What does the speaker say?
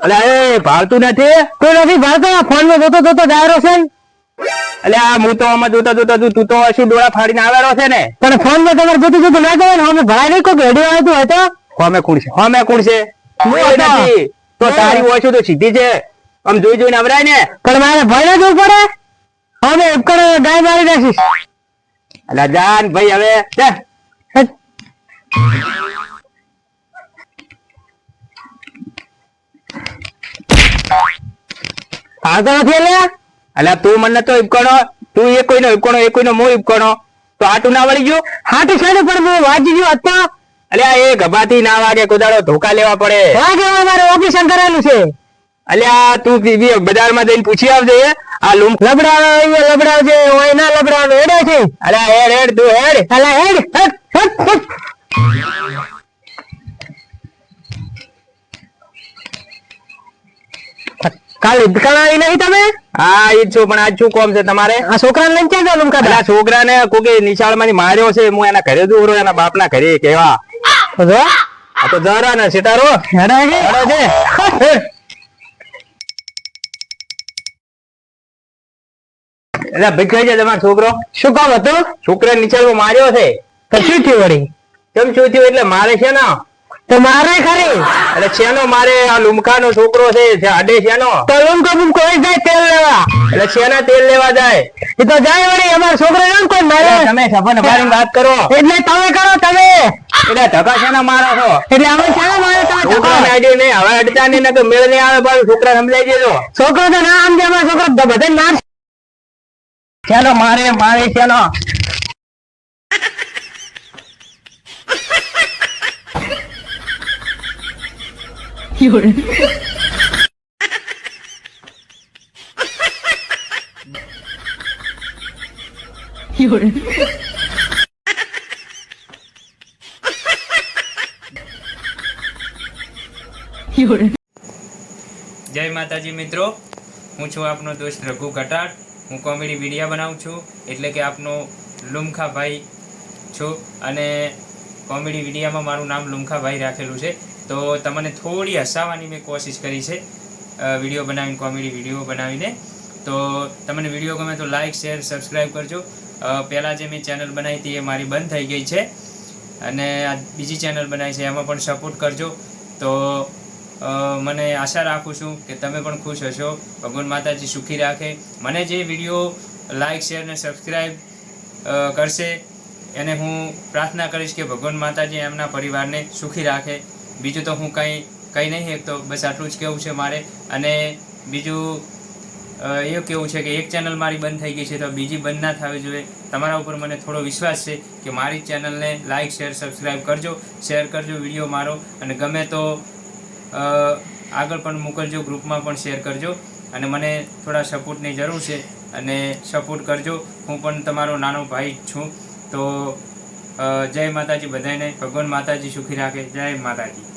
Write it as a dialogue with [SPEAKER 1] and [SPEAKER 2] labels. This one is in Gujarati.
[SPEAKER 1] અલે એ ભાવતું નથી
[SPEAKER 2] કોઈ નથી ભાવતો ફોન માં જોતો જોતો ડાયરો છે
[SPEAKER 1] અલે આ હું તો આમાં જોતો જોતો તું તો શું ડોળા ફાડીને આવેલો છે ને
[SPEAKER 2] પણ ફોન માં તમારે જોતું જોતું ના કહેવાય ને અમે ભરાય નહીં કોઈ રેડિયો આવતું હોય તો
[SPEAKER 1] હોમે કુણ છે નથી તો તારી હોય તો સીધી છે આમ જોઈ જોઈને આવરાય ને
[SPEAKER 2] પણ મારે ભય જવું પડે અમે ઉપકરણ ગાય મારી નાખીશ
[SPEAKER 1] અલા જાન ભાઈ હવે
[SPEAKER 2] આવતો નથી એટલે
[SPEAKER 1] અલા તું મને તો ઉપકણો તું એ કોઈનો મો ઉપકણો તો આટું ના વળી ગયું
[SPEAKER 2] હાટી સાઈડ પર હું વાજી ગયો હતો
[SPEAKER 1] અલ્યા એ ગભાથી ના વાગે કોદાળો ધોકા લેવા પડે
[SPEAKER 2] વાગે મારે ઓપરેશન કરેલું છે
[SPEAKER 1] અલ્યા તું બજારમાં જઈને પૂછી આવજે આ લૂમ
[SPEAKER 2] લબડાવજે હોય ના લબડાવે હેડે છે
[SPEAKER 1] અલ્યા હેડ તું હેડ
[SPEAKER 2] અલા હેડ કાલે દુકાન નહીં તમે
[SPEAKER 1] હા ઈ છું પણ આજ શું કોમ છે તમારે
[SPEAKER 2] આ છોકરાને લઈને ક્યાં ચાલો
[SPEAKER 1] અલ્યા છોકરાને કોકે નિશાળમાંથી માર્યો છે હું એના ઘરે દૂર એના બાપના ઘરે કેવા આ તો જરા ને સિતારો
[SPEAKER 2] હેડે છે
[SPEAKER 1] એટલે ભીખાઈ જાય તમારો છોકરો
[SPEAKER 2] શું કામ હતું
[SPEAKER 1] છોકરા નિશાળમાં માર્યો છે
[SPEAKER 2] તો શું થયું વળી
[SPEAKER 1] કેમ શું થયું એટલે મારે છે ને
[SPEAKER 2] તો મારે ખરી
[SPEAKER 1] એટલે શેનો મારે આ લુમકાનો છોકરો છે આડે શેનો
[SPEAKER 2] તો લુમકો બુમકો હોય જાય તેલ લેવા
[SPEAKER 1] એટલે શેના તેલ લેવા જાય
[SPEAKER 2] એ તો જાય વળી અમારા છોકરો એમ કોઈ મારે
[SPEAKER 1] તમે સફર નભારીને વાત કરો
[SPEAKER 2] એટલે તમે કરો તમે
[SPEAKER 1] એટલે ધક્કા શેના મારો છો
[SPEAKER 2] એટલે અમે શાના મારે તમે
[SPEAKER 1] છોકરાને આઈડિયો નહીં હવે અડતા નહીં ને મેળ નહીં આવે પણ છોકરા સમજાઈ દેજો
[SPEAKER 2] છોકરો તો ના સમજે અમારા છોકરો બધા માર
[SPEAKER 1] શેનો મારે શેનો
[SPEAKER 3] જય માતાજી મિત્રો, હું છું આપનો દોસ્ત રઘુ કટાર. હું કોમેડી વિડીયો બનાવું છું, એટલે કે આપનો લુમખાભાઈ છું અને કોમેડી વિડીયોમાં મારું નામ લુમખાભાઈ રાખેલું છે. તો તમને થોડી હસાવવાની મેં કોશિશ કરી છે વિડીયો બનાવીને, કોમેડી વિડીયો બનાવીને. તો તમને વિડીયો ગમે તો લાઇક શેર સબસ્ક્રાઈબ કરજો. પહેલાં જે મેં ચેનલ બનાવી હતી એ મારી બંધ થઈ ગઈ છે અને આ બીજી ચેનલ બનાવી છે, એમાં પણ સપોર્ટ કરજો. તો મને આશા રાખું છું કે તમે પણ ખુશ હશો. ભગવાન માતાજી સુખી રાખે. મને જે વિડીયો લાઇક શેર ને સબસ્ક્રાઈબ કરશે એને હું પ્રાર્થના કરીશ કે ભગવાન માતાજી એમના પરિવારને સુખી રાખે. બીજું તો હું કંઈ નહીં, તો બસ આટલું જ કહેવું છે મારે. અને બીજું એવું કેવું છે કે એક ચેનલ મારી બંધ થઈ ગઈ છે તો બીજી બંધ ના થવી જોઈએ. તમારા ઉપર મને થોડો વિશ્વાસ છે કે મારી ચેનલને લાઇક શેર સબસ્ક્રાઈબ કરજો, શેર કરજો વિડીયો મારો, અને ગમે તો આગળ પણ મોકલજો, ગ્રુપમાં પણ શેર કરજો. અને મને થોડા સપોર્ટની જરૂર છે અને સપોર્ટ કરજો. હું પણ તમારો નાનો ભાઈ છું. તો જય માતાજી બધાને. ભગવાન માતાજી સુખી રાખે. જય માતાજી.